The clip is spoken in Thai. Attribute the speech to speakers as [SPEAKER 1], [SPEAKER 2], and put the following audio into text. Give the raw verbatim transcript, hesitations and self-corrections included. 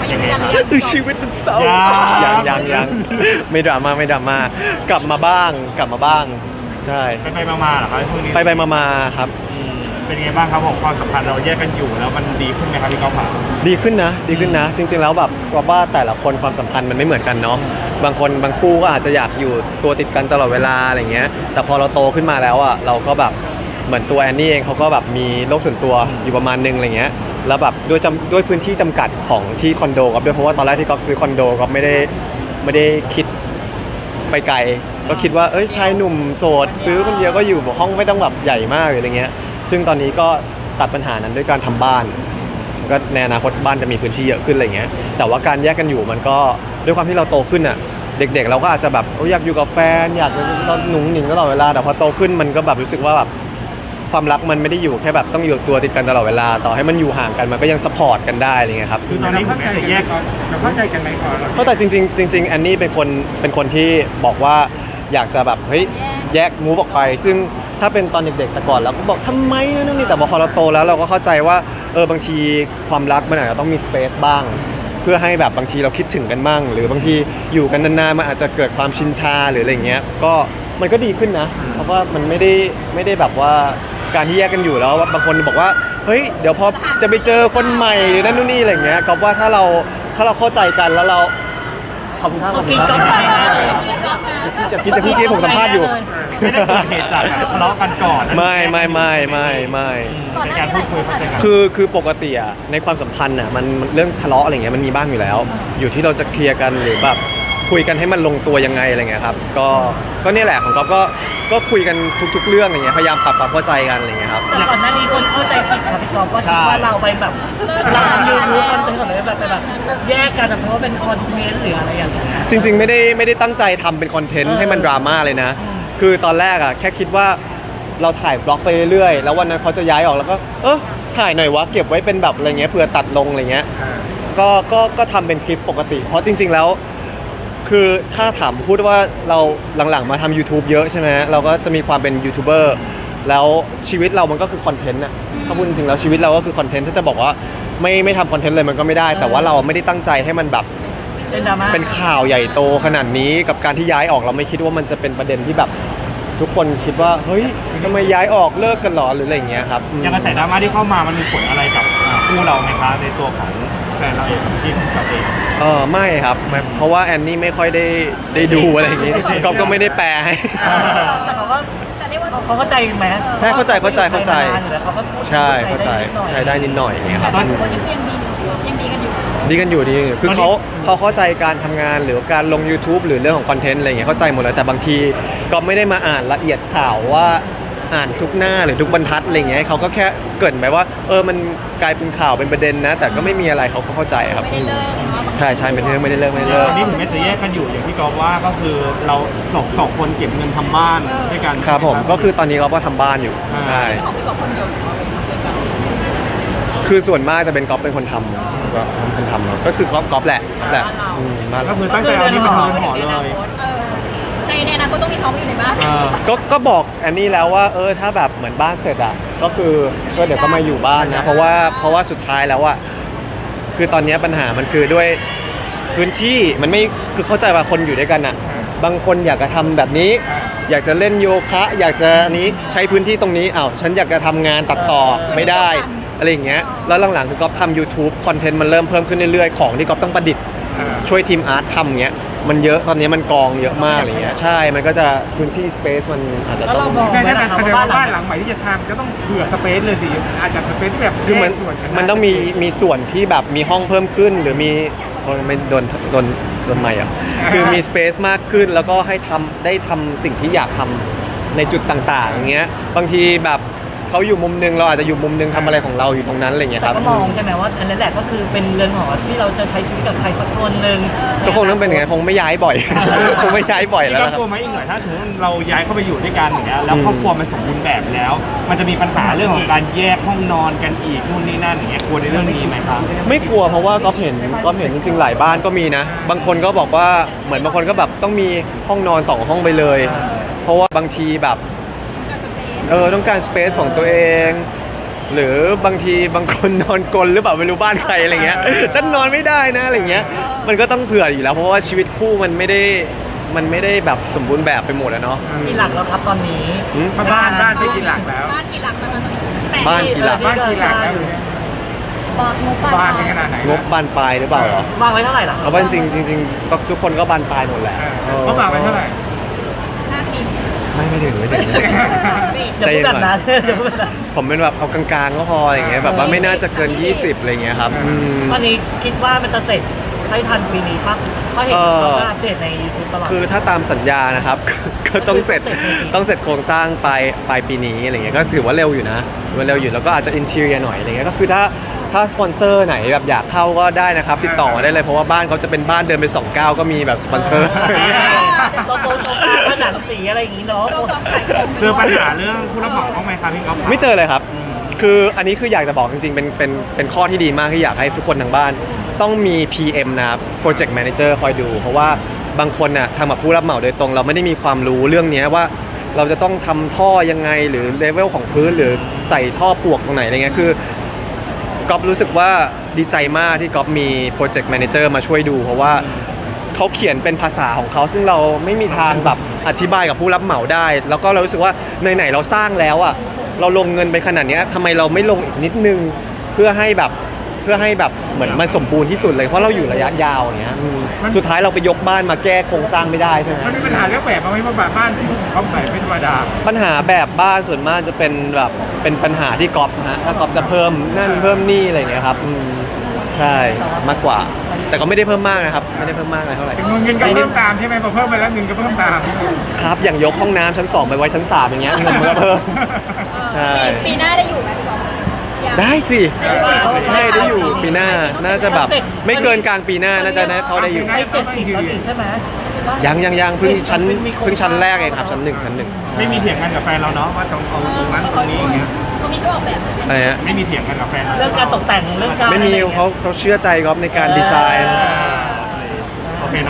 [SPEAKER 1] ยังไม่ยัง
[SPEAKER 2] คือชีวิตมันเศร้ายังยังยังไม่ดราม่าไม่ดราม่ากลับมาบ้างกลับมาบ้างใช่
[SPEAKER 3] ไปไปมาๆเหรอครับช่วงนี้
[SPEAKER 2] ไปไปมามาครับ
[SPEAKER 3] อืมเป็นไงบ้างครับผมความสัมพันธ์เราแยกกันอยู่แล้วมันดีขึ้นไหมครับพี่ก๊อฟครับ
[SPEAKER 2] ดีขึ้นนะดีขึ้นนะ จริงๆแล้วแบบว่าแต่ละคนความสัมพันธ์มันไม่เหมือนกันเนาะบางคนบางคู่ก็อาจจะอยากอยู่ตัวติดกันตลอดเวลาอะไรเงี้ยแต่พอเราโตขึ้นมาแล้วอ่ะเราก็แบบเหมือนตัวแอนนี่เองเขาก็แบบมีโลกส่วนตัวอยู่ประมาณนึงอะไรเงี้ยแล้วแบบด้วยจำด้วยพื้นที่จำกัดของที่คอนโดครับด้วยเพราะว่าตอนแรกที่ก๊อฟซื้อคอนโดก็ไม่ได้ไม่ได้คิดไปไกลก็คิดว่าเอ้ยชายหนุ่มโสดซื้อคนเดียวก็อยู่ห้องไม่ต้องแบบใหญ่มากอะไรเงี้ยซึ่งตอนนี้ก็ตัดปัญหานั้นด้วยการทำบ้านก็ในอนาคตบ้านจะมีพื้นที่เยอะขึ้นอะไรเงี้ยแต่ว่าการแยกกันอยู่มันก็ด้วยความที่เราโตขึ้นอ่ะเด็กๆเราก็อาจจะแบบอยากอยู่กับแฟนอยากหนุ่งหนิงตลอดเวลาแต่พอโตขึ้นมันก็แบบรู้สึกว่าแบบความรักมันไม่ได้อยู่แค่แบบต้องอยู่ตัวติดกันตลอดเวลาต่อให้มันอยู่ห่างกันมันก็ยังซัพพอร์ตกันได้อะไรเงี้ยครับ
[SPEAKER 3] คือตอนนี้ผมจะแยก
[SPEAKER 4] เราเข้าใจกันไหมก่อน
[SPEAKER 2] เพราะแต่จริงๆจริงๆแอนนี่เป็นคนเป็นคนที่บอกว่าอยากจะแบบเฮ้ยแยกมูฟออกไปซึ่งถ้าเป็นตอนเด็กๆแต่ก่อนเราก็บอกทำไมนั่นนี่แต่พอเราโตแล้วเราก็เข้าใจว่าเออบางทีความรักมันอาจจะต้องมีสเปซบ้างเพื่อให้แบบบางทีเราคิดถึงกันบ้างหรือบางทีอยู่กันนานๆมันอาจจะเกิดความชินชาหรืออะไรเงี้ยก็มันก็ดีขึ้นนะเพราะว่ามันไม่ได้ไม่ได้แบบว่าการที่แยกกันอยู่แล้วบางคนบอกว่าเฮ้ยเดี๋ยวพอจะไปเจอคนใหม่หรือนั่นนู่นนี่อะไรเงี้ยก็ว่าถ้าเราถ้าเราเข้าใจกันแล้วเราขอบคุณครับขอบคุณครับจะพี่จะพี่กี้ผมสัมภาษณ์อยู่
[SPEAKER 3] ไม่ได้เกิดเหตุจากทะเลาะกันก่อน
[SPEAKER 2] ไม่ไม่ไม่ไม่ไม่
[SPEAKER 3] ในการพูดคุยเข้าใจกัน
[SPEAKER 2] คือคือปกติอะในความสัมพันธ์อะมันมันเรื่องทะเลาะอะไรเงี้ยมันมีบ้างอยู่แล้ว อยู่ที่เราจะเคลียร์กันหรือแบบคุยกันให้มันลงตัวยังไงอะไรเงี้ยครับก็ก็เนี่ยแหละของก๊อฟก็ก็คุยกันทุกๆเรื่องอะไรเงี้ยพยายามปรับความเข้าใจกันอะไรเงี้ยครับ
[SPEAKER 5] แต่ก่อนหน้านี้คนเข้าใจผิดค่ะพี่กอล์ฟว่าคิดว่าเราไปแบบเราทำยูทูบคอนเทนต์ของเราแบบไปแบบแยกกันเพราะว่าเป็นคอนเทนต์หรืออะไรอย่างเงี้ย
[SPEAKER 2] จริงๆไม่ได้ไม่ได้ตั้งใจทำเป็นคอนเทนต์ให้มันดราม่าเลยนะ คือตอนแรกอะแค่คิดว่าเราถ่ายบล็อกไปเรื่อยๆแล้ววันนั้นเขาจะย้ายออกแล้วก็เออถ่ายหน่อยวะเก็บไว้เป็นแบบอะไรเงี้ยเผื่อตัดลงอะไรเงี้ยก็ก็ก็ทำเป็นคลิปปกติ เพราะจริง ๆแล้วคือถ้าถามพูดว่าเราหลังๆมาทำ YouTube เยอะใช่ไหมเราก็จะมีความเป็นยูทูบเบอร์แล้วชีวิตเรามันก็คือคอนเทนต์อะถ้าพูดจริงๆแล้วชีวิตเราก็คือคอนเทนต์ถ้าจะบอกว่าไม่ไม่ทำคอนเทนต์เลยมันก็ไม่ได้ แต่ว่าเราไม่ได้ตั้งใจให้มันแบบ
[SPEAKER 5] เป็นดราม่า
[SPEAKER 2] เป็นข่าวใหญ่โตขนาดนี้กับการที่ย้ายออกเราไม่คิดว่ามันจะเป็นประเด็นที่แบบทุกคนคิดว่าเฮ้ยทำไมย้ายออกเลิกกันหรอหรืออะไรอย่างเงี้ยครับ
[SPEAKER 3] อย่างกระแสดราม่าที่เข้ามามันมีผลอะไรกับอ่าคู่เราไหมคะในตัวของแฟนเราเองที่เราเอง
[SPEAKER 2] เออไม่ครับไม่เพราะว่าแอนนี่ไม่ค่อยได้ได้ดูอะไรอย่างงี้ก๊อฟก็ไม่ได้แปลให้
[SPEAKER 5] แต่เขาก็
[SPEAKER 1] แต่เรียกว่า
[SPEAKER 5] เขาเข้าใจไหม
[SPEAKER 2] ใช่เข้าใจเข้าใจเข้าใจ
[SPEAKER 5] เขาก็พูด
[SPEAKER 2] ใช่เข้าใจใช้ได้นิดหน่อยอย่างเงี้ยค
[SPEAKER 1] แต่
[SPEAKER 2] รับ
[SPEAKER 1] ตอนนี้คือยังดีอยู่ยังดีกันอยู่
[SPEAKER 2] ดีกันอยู่ดีกันอยู่คือเขาเขาเข้าใจการทำงานหรือการลง YouTube หรือเรื่องของคอนเทนต์อะไรอย่างเงี้ยเข้าใจหมดเลยแต่บางทีก็ไม่ได้มาอ่านละเอียดข่าวว่าอ่านทุกหน้าหรือทุกบรรทัดอะไรอย่างเงี้ยเขาก็แค่เกริ่นไปว่าเออมันกลายเป็นข่าวเป็นประเด็นนะ แต่ก็ไม่มีอะไรเขาก็เข้าใจครับ
[SPEAKER 1] ไม่ได้เลิกเนาะ
[SPEAKER 2] ใช่ใช่ไม่ได้เลิกไม่ได้เลิกไม่ได้เลิก
[SPEAKER 3] ตอนนี้ถึงแม้จะแยกกันอยู่อย่างที่กอฟว่าก็คือเราสองสองคนเก็บเงินทำบ้านด้วยกัน
[SPEAKER 2] ครับผมก็คือตอนนี้เราก็ทำบ้านอยู่ใช่
[SPEAKER 1] ของพี่บอกคนเดียว
[SPEAKER 2] คือส่วนมากจะเป็นก๊อฟเป็นคนทำก็เป็นคนทำเนอะก็คือก๊อฟก๊อฟแหละแหละอืมบ้าน
[SPEAKER 3] ก็
[SPEAKER 2] เรา
[SPEAKER 3] คือตั้งใจเอานี่เป็นเรือนหอเลย
[SPEAKER 1] ในในอนาคตต้องมีเขาอยู่ในบ้าน
[SPEAKER 3] เออ
[SPEAKER 2] ก็ก็บอกแอนนี่แล้วว่าเออถ้าแบบเหมือนบ้านเสร็จอ่ะก็คือก็เดี๋ยวก็มาอยู่บ้านนะเพราะว่าเพราะว่าสุดท้ายแล้วอ่ะคือตอนนี้ปัญหามันคือด้วยพื้นที่มันไม่คือเข้าใจว่าคนอยู่ด้วยกันอ่ะบางคนอยากจะทำแบบนี้ อยากจะเล่นโยคะ อยากจะอันนี้ใช้พื้นที่ตรงนี้อ้าวฉันอยากจะทำงานตัดต่อไม่ได้อะไรอย่างเงี้ยแล้วหลังๆคือก๊อฟทำ YouTube คอนเทนต์มันเริ่มเพิ่มขึ้นเรื่อยๆของที่ก๊อฟต้องประดิษฐ์ช่วยทีมอาร์ตทำเงี้ยมันเยอะตอนนี้มันกองเยอะมากอะไรเงี้ยใช่มันก็จะพื้นที่สเปซมันอาจจะ
[SPEAKER 5] แล้ว
[SPEAKER 2] ต้
[SPEAKER 5] เรา
[SPEAKER 2] อง
[SPEAKER 5] มอง
[SPEAKER 4] แค่
[SPEAKER 5] ไหม
[SPEAKER 4] นั้น
[SPEAKER 5] ล่ะ
[SPEAKER 4] แสดง
[SPEAKER 5] ว่า
[SPEAKER 4] ว่า
[SPEAKER 5] บ้า
[SPEAKER 4] บ้าน น
[SPEAKER 5] ห
[SPEAKER 4] ห
[SPEAKER 5] ลั
[SPEAKER 4] ลั
[SPEAKER 5] ง
[SPEAKER 4] งใหม่ที่จะทำก็ต้องเผื่อสเปซเลยสิอาจจะสเปซที่แบบ
[SPEAKER 2] คือมัน
[SPEAKER 4] แยกส่วนกั
[SPEAKER 2] มันต้องมีมีส่วนที่แบบมีห้องเพิ่มขึ้นหรือมีโอ้ยไม่โดนโดนโดนใหม่อ่ะคือมีสเปซมากขึ้นแล้วก็ให้ทำได้ทำสิ่งที่อยากทำในจุดต่างๆอย่างเงี้ยบางทีแบบเขาอยู่มุมนึงเราอาจจะอยู่มุมนึงทำอะไรของเราอยู่ตรงนั้นอะไรเงี้ย
[SPEAKER 5] แต่
[SPEAKER 2] ครับ
[SPEAKER 5] ก็มองใช่ไหมว่าอันนั้นแหละก็คือเป็นเรือนหอที่เราจะใช้ชีวิตกับใครสักคนหนึ่ง
[SPEAKER 2] ก็คงต้องเป็นอย่างนั้นคงไม่ย้ายบ่อย คงไม่ย้ายบ่อยแล้ว
[SPEAKER 3] ก็
[SPEAKER 2] นะครั
[SPEAKER 3] กลัว
[SPEAKER 2] บ
[SPEAKER 3] ไหมอีกหน่อยถ้าสมมติเราย้ายเข้าไปอยู่ด้วยกันอย่างเงี้ยแล้วครอบครัวมันสมบูรณ์แบบแล้ว มันจะมีปัญหาเรื่องของการแยกห้องนอนกันอีกนู่นนี่นั่นอย่างเงี้ยกลัวในเรื่องนี้ไหมครับ
[SPEAKER 2] ไม่กลัวเพราะว่าก็เห็นก็เห็นจริงๆหลายบ้านก็มีนะ บางคนก็บอกว่าเหมือนบางคนก็แบบต้องมีห้องนอนสองห้องไปเลย เพราะว่าบางทีแบบเออต้องการสเปซของตัวเองหรือบางทีบางคนนอนกลนหรือเปล่าไม่รู้บ้านใครอะไรเงี้ยฉันนอนไม่ได้นะอะไรเงี้ยมันก็ต้องเผื่ออยู่แล้วเพราะว่าชีวิตคู่มันไม่ได้มันไม่ได้แบบสมบูรณ์แบบไปหมดอะเนาะ
[SPEAKER 5] มีหลักแล้วครับตอนนี้
[SPEAKER 2] อืม
[SPEAKER 4] บ้านบ้านที่กินหลักแล้ว
[SPEAKER 1] บ้านกี่หลังแล้วตอนนี้แต่
[SPEAKER 2] บ้านกี่หลัก
[SPEAKER 4] บ้านกี่หลักแล้วเนี่ย
[SPEAKER 1] บอกงบ
[SPEAKER 4] บ้านเป็นขนาดไหน
[SPEAKER 2] งบบานปลายหรือเปล่าเหรอ
[SPEAKER 5] วางไว้เท่าไหร่ล่ะ
[SPEAKER 2] เอาว่าจริงๆจริงๆก็ทุกคนก็บานปลายหมดแหละ
[SPEAKER 4] เออเขาฝากไปเท่าไหร่
[SPEAKER 1] ห้าสิบ
[SPEAKER 2] ไม่ไม่ถึงไม่ถึง
[SPEAKER 5] เดี๋ยวพูดแบบนั้นเดี๋ยวพูดแบบนั้น
[SPEAKER 2] ผมเป็นแบบเอากลางๆก็พออย่างเงี้ยแบบว่าไม่น่าจะเกินยี่สิบอะไรเงี้ยครับอืม
[SPEAKER 5] ตอนนี้คิดว่ามันจะเสร็จให้ทันปีนี้ปะเขาเห็น
[SPEAKER 2] เอ่อ
[SPEAKER 5] เขาอัปเดตใน YouTube ตลอด
[SPEAKER 2] คือถ้าตามสัญญานะครับ ก็ต้องเสร็จต้องเสร็จโครงสร้างปลายปลายปีนี้อะไรเงี้ยก็ถือว่าเร็วอยู่นะถือว่าเร็วอยู่แล้วก็อาจจะอินเท i รียหน่อยอะไรเงี้ยก็คือถ้าถ้าสปอนเซอร์ไหนแบบอยากเข้าก็ได้นะครับติดต่อมาได้เลยเพราะว่าบ้านเขาจะเป็นบ้านเดินไปสองก้าวก็มีแบบสปอนเซอร์
[SPEAKER 5] โลโก้โชว์ผนังสีอะไรอย่างงี้เนาะ
[SPEAKER 1] โชว์ความขายของ
[SPEAKER 3] เจอปัญหาเรื่องผู้รับเหมาบ้างไหมครับพี่ก๊อฟ
[SPEAKER 2] ไม่เจอเลยครับ คืออันนี้คืออยากจะบอกจริงๆ เป็นเป็นเป็นข้อที่ดีมากที่อยากให้ทุกคนทางบ้าน ต้องมี พี เอ็ม นะครับ Project Manager คอยดู เพราะว่าบางคนน่ะทำกับผู้รับเหมาโดยตรง เราไม่ได้มีความรู้เรื่องเนี้ยว่าเราจะต้องทำท่อยังไงหรือเลเวลของพื้นหรือใส่ท่อปลวกตรงไหนอะไรเงี้ยคือก๊อฟรู้สึกว่าดีใจมากที่ก๊อฟมี Project Manager มาช่วยดู เพราะว่าเขาเขียนเป็นภาษาของเขาซึ่งเราไม่มีทางแบบอธิบายกับผู้รับเหมาได้ แล้วก็เรารู้สึกว่าไหนๆเราสร้างแล้วอ่ะเราลงเงินไปขนาดเนี้ยทำไมเราไม่ลงอีกนิดนึงเพื่อให้แบบเพื่อให้แบบเหมือนมันสมบูรณ์ที่สุดเลยเพราะเราอยู่ระยะยาวอย่างเงี้ยอืมสุดท้ายเราไปยกบ้านมาแก้โครงสร้างไม่ได้ใช่ไหม
[SPEAKER 4] มันมีปัญหาเรื่องแบบมาไหมเพราะแบบบ้านที่เขาแบบไม่ธรรมดา
[SPEAKER 2] ปัญหาแบบบ้านส่วนมากจะเป็นแบบเป็นปัญหาที่ก๊อฟฮะถ้าก๊อฟจะเพิ่มนั่นเพิ่มนี่อะไรอย่างเงี้ยครับอืมใช่มากกว่า แต่ก็ไม่ได้เพิ่มมากนะครับไม่ได้เพิ่มมากอะไรเท่าไหร่
[SPEAKER 4] เงินก็เพิ่มตามใช่ไหมพอเพิ่มไปแล้วเงินก็เพิ่มตาม
[SPEAKER 2] ครับอย่างยกห้องน้ำชั้นสองไปไว้ชั้นสามอย่างเงี้ยเงินมันก็เพิ่ม ใช่
[SPEAKER 1] ปีหน้าได้อยู่ไหมพี่ก๊อฟอยาก
[SPEAKER 2] ได้สิ
[SPEAKER 1] ได้อยู่
[SPEAKER 2] ใช่ได้อยู่ปีหน้าน่าจะแบบไม่เกินกลางปีหน้าน่าจะได้เขาได้อยู่
[SPEAKER 5] ให้เจ็ดสิบแล้วนี่ใช่ไหม
[SPEAKER 2] ยังยังยังเพิ่งชั้นเพิ่งชั้นแรกเองครับชั้นหนึ่งชั้นหนึ่ง
[SPEAKER 3] ไม่มีเถียงกันกับแฟนเราเนาะว่าต้องเอาตรงนั้นตรงนี้อย่างเงี้ย
[SPEAKER 1] เขามีช่วยออกแบบไหม
[SPEAKER 2] อะไรฮะ
[SPEAKER 3] ไม่มีเถียงกันกับแฟนเรา
[SPEAKER 5] เรื่องการตกแต่งเรื่องการ
[SPEAKER 2] ไม่มีเขาเขาเชื่อใจก๊อฟในการดีไซน์
[SPEAKER 5] อ่า